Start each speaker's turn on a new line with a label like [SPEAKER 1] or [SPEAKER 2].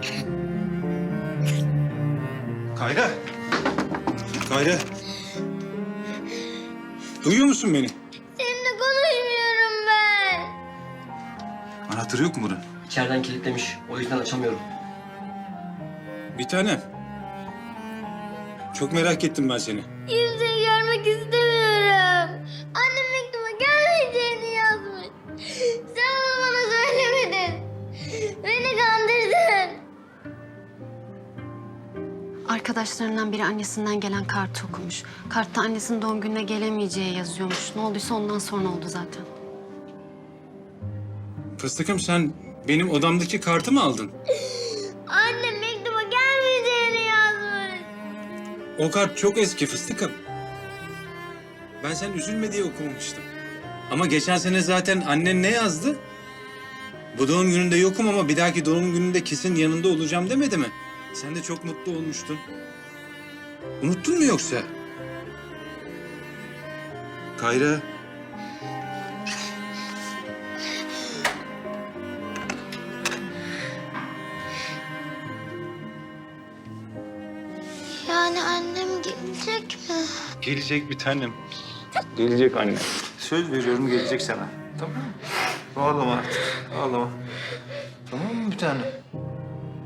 [SPEAKER 1] Kayra. Kayra. Duyuyor musun beni?
[SPEAKER 2] Seninle konuşmuyorum ben.
[SPEAKER 1] Anahtarı yok mu bunun?
[SPEAKER 3] İçeriden kilitlemiş. O yüzden açamıyorum.
[SPEAKER 1] Bir tanem. Çok merak ettim ben seni.
[SPEAKER 2] Kimseyi görmek istemiyorum. Annem mektuma gelmeyeceğini yazmış. Sen bunu bana söylemedin. Beni kandırdın.
[SPEAKER 4] Arkadaşlarından biri annesinden gelen kartı okumuş. Kartta annesinin doğum gününe gelemeyeceği yazıyormuş. Ne olduysa ondan sonra oldu zaten.
[SPEAKER 1] Fıstıkım sen benim odamdaki kartı mı aldın?
[SPEAKER 2] Annem mektuma gelmeyeceğini yazmış.
[SPEAKER 1] O kart çok eski Fıstıkım. Ben sen üzülme diye okumamıştım. Ama geçen sene zaten annen ne yazdı? Bu doğum gününde yokum ama bir dahaki doğum gününde kesin yanında olacağım demedi mi? Sen de çok mutlu olmuştun. Unuttun mu yoksa? Kayra.
[SPEAKER 2] Yani annem gelecek mi?
[SPEAKER 1] Gelecek bir tanem. Gelecek anne. Söz veriyorum gelecek sana. Tamam mı? Ağlama artık. Ağlama. Tamam mı bir tanem?